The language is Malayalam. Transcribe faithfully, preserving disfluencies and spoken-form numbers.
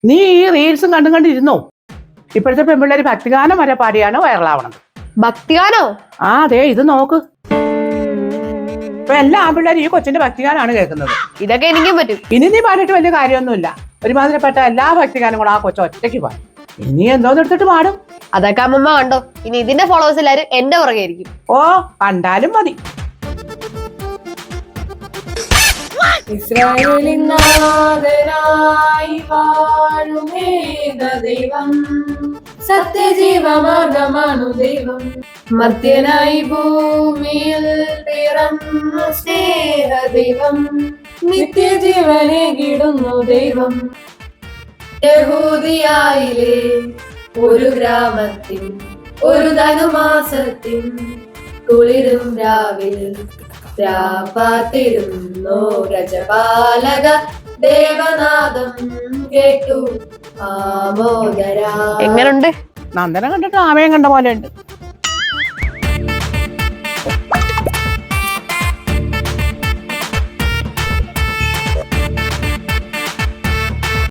നീ ഈ റീൽസും കണ്ടും കണ്ടിരുന്നോ? ഇപ്പോഴത്തെ പെൺപിള്ളേര് ഭക്തിഗാനം വരെ പാടിയാണ് വൈറലാവണത്. ഭക്തിഗാനോ? ആ അതെ, ഇത് നോക്ക്. ഇപ്പൊ എല്ലാ ആൺപിള്ളേരും ഈ കൊച്ചിന്റെ ഭക്തിഗാനാണ് കേൾക്കുന്നത്. ഇതൊക്കെ എനിക്കും പറ്റും. ഇനി നീ പാടിയിട്ട് വലിയ കാര്യമൊന്നുമില്ല. ഒരുമാതിരിപ്പെട്ട എല്ലാ ഭക്തിഗാനം കൂടെ ആ കൊച്ചു ഒറ്റയ്ക്ക് പാടും. ഇനി എന്തോന്ന് എടുത്തിട്ട് പാടും. അതൊക്കെ അമ്മമ്മ കണ്ടോ? ഇനി ഇതിന്റെ ഫോളോവേഴ്സ് എല്ലാരും എന്റെ പുറകെ ആയിരിക്കും. ഓ, കണ്ടാലും മതി. ഇസ്രായേലിൻ നാഥനായി വാഴുമേക ദൈവം, സത്യജീവമാർഗമാണു ദൈവം. മർത്യനായി ഭൂമിയിൽ പിറന്ന സ്നേഹ ദൈവം, നിത്യജീവനെ കിടുന്നു ദൈവം. യഹൂദിയായിലെ ഒരു ഗ്രാമത്തിൽ ഒരു ധനുമാസത്തിൽ കുളിരും രാവിൽ രാപ്പാത്തിരുന്നു രജപാലക ദേവനാദം കേട്ടു ആമോദരാ. എങ്ങനുണ്ട്? നന്ദനം കണ്ടിട്ട് ആമയം കണ്ട പോലെ ഉണ്ട്.